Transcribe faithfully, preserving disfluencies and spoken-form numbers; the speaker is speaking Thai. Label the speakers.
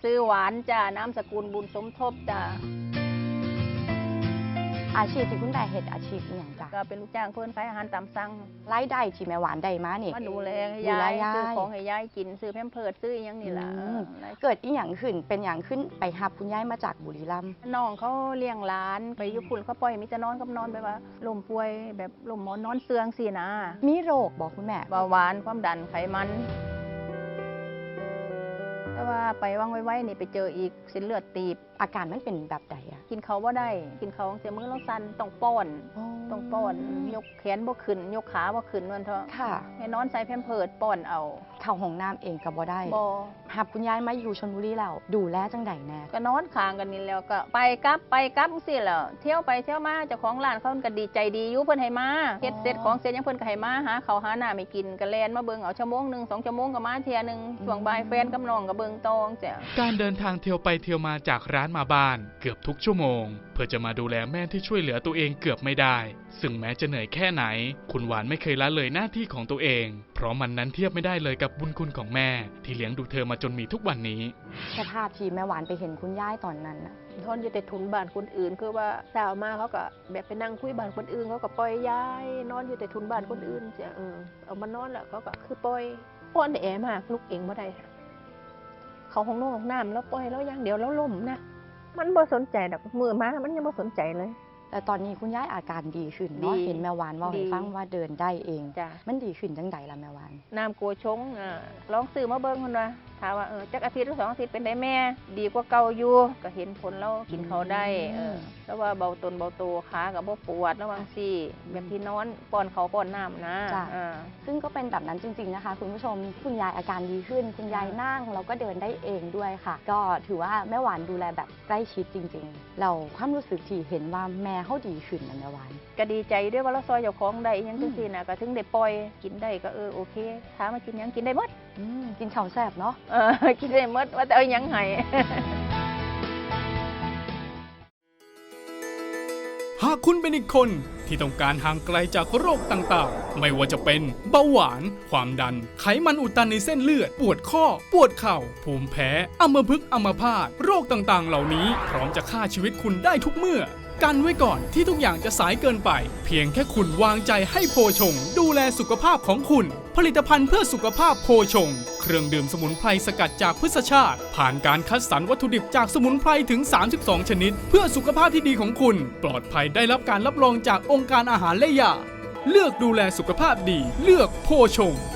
Speaker 1: ซื้อหวานจ้านามสกุลบุญสมทบจ้า
Speaker 2: อาชีพที่คุณแม่เฮ็ดอาชีพอหย่างจ้ะ
Speaker 1: ก็เป็นลูกจ้างเพิ่นขายอาหารตามสั่ง
Speaker 2: รายได้ที่แม่หวานได้มานี่
Speaker 1: มาดูแลให้
Speaker 2: ดูแล
Speaker 1: ยาย
Speaker 2: ยาย
Speaker 1: ซื้อของให้ยายกินซื้อแพมเพิร์สซื้ออหยังนี่ล่ะ
Speaker 2: อืม
Speaker 1: เออ
Speaker 2: เกิดอีหยังขึ้นเป็นหยังขึ้นไปรับคุณยายมาจากบุรีรัมย์
Speaker 1: น้องเขาเลี้ยงหลานไปอยู่พุ่นเขาปล่อยให้มีแต่นอนกับนอนแบบว่าลมป่วยแบบลมหมอนนอนเสื่องสินะ
Speaker 2: มีโรคบอกคุณแม่
Speaker 1: เบาหวานความดันไขมันแต่ว่าไปว่างไว้ๆนี่ไปเจออีกเส้นเลือดตีบ
Speaker 2: อาการมันเป็นแบบใดอะ
Speaker 1: กินเขาว่าได้กินเขาเสียมือเราสั่นต้องป้อนต้องป้อนยกแขนบ่ขึ้นยกขาบ่ขึ้นวันเถอะ
Speaker 2: ค่ะ
Speaker 1: ให้นอนใส่แพมเพิร์สป้อนเอา
Speaker 2: เข้าห้องน้ำเองก็บ่ได้
Speaker 1: บ่
Speaker 2: รับคุณยายมาอยู่ชลบุรีแล้วดูแลจังใดแน่
Speaker 1: ก็นอนค้างกันนี่แล้วก็ไปกลับไปกลับจังซี่แหล้วเที่ยวไปเที่ยวมาเจ้าของร้านเขาก็ดีใจดีอยู่เพิ่นให้มาเฮ็ดเสร็จของเสร็จยังเพิ่นก็ให้มาหาข้าวหาน้าไม่กินก็แล่นมาเบิ่งเอาชั่วโมงนึงสองชั่วโมงก็มาเที่ยนึงช่วงบ่ายแฟนกับน้องก็เบิ่งตองจ้ะ
Speaker 3: การเดินทางเที่ยวไปเที่ยวมาจากร้านมาบ้านเกือบทุกชั่วโมง เพื่อจะมาดูแลแม่ที่ช่วยเหลือตัวเองเกือบไม่ได้ ซึ่งแม้จะเหนื่อยแค่ไหน คุณหวานไม่เคยละเลยหน้าที่ของตัวเอง เพราะมันนั้นเทียบไม่ได้เลยกับบุญคุณของแม่ ที่เลี้ยงดูเธอมาจนมีทุกวันนี้
Speaker 2: สภาพที่แม่หวานไปเห็นคุณยายตอนนั้นน่ะ
Speaker 1: ทนอยู่แต่ทุนบ้านคนอื่นคือว่าสาวมาเขาก็แบบไปนั่งคุยบ้านคนอื่นเขาก็ปล่อยยายนอนอยู่แต่ทุนบ้านคนอื่นจ้ะเออเอามานอนแล้วเขาก็คือปล่อยป้อนแอมากลุกเองบ่ได้เขาห้องนอนห้องน้ำแล้วปล่อยแล้วอย่างเดียวแล้วล่มนะมันบ่สนใจดอกมือมามันยังบ่สนใจเลย
Speaker 2: แต่ตอนนี้คุณยายอาการดีขึ้นเนาะ
Speaker 1: ดี
Speaker 2: เห็นแม่หวานเว่าให้
Speaker 1: ดี
Speaker 2: ฟังว่าเดินได้เอง
Speaker 1: จ้ะ
Speaker 2: มันดีขึ้นจังใดล่ะแม่หวาน
Speaker 1: น้ำโกชงอ่าลองซื้อมาเบิ่งคนว่าถามว่าเออจักอาทิตย์หรือสองอาทิตย์เป็นได้แม่ ดีกว่าเก่าอยู่ก็เห็นผลแล้วกินเขาวได้เออแล้วว่าเบาตนเบาตัวขากับบ่ปวดระวังซี่แบบที่นอนป้อนเขาวป้อนน้ำนะ
Speaker 2: จ้ะ
Speaker 1: อ่า
Speaker 2: ซึ่งก็เป็นแบบนั้นจริงๆนะคะคุณผู้ชมคุณยายอาการดีขึ้น คุณยายนั่งแล้วก็เดินได้เองด้วยค่ะ ก็ถือว่าแม่หวานดูแลแบบใกล้ชิดจริงๆ เราความรู้สึกที่เห็นว่าแม่เขาดีขึ้นนะแม่หวาน
Speaker 1: ก็ดีใจด้วยว่าเราซอยเจ้าของได้อิหยังจังซี่น่ะก็ถึงได้ปล่อยกินได้ก็เออโอเคถามมากินหยังกินได้หมด
Speaker 2: อืมกินข้าวแซ่บเนาะ
Speaker 1: เออ กินได้หมดว่าแต่เอาหยังให้
Speaker 4: หากคุณเป็นอีกคนที่ต้องการห่างไกลจากโรคต่างๆ ไม่ว่าจะเป็นเบาหวาน ความดัน ไขมันอุดตันในเส้นเลือด ปวดข้อ ปวดเข่า ภูมิแพ้ อัมพฤกษ์อัมพาต โรคต่างๆ เหล่านี้พร้อมจะฆ่าชีวิตคุณได้ทุกเมื่อ กันไว้ก่อนที่ทุกอย่างจะสายเกินไป เพียงแค่คุณวางใจให้โพชง ดูแลสุขภาพของคุณ ผลิตภัณฑ์เพื่อสุขภาพโพชง เครื่องดื่มสมุนไพรสกัดจากพืชชาติ ผ่านการคัดสรรวัตถุดิบจากสมุนไพรถึง สามสิบสอง ชนิด เพื่อสุขภาพที่ดีของคุณ ปลอดภัยได้รับการรับรองจากองค์การอาหารและยา เลือกดูแลสุขภาพดี เลือกโพชง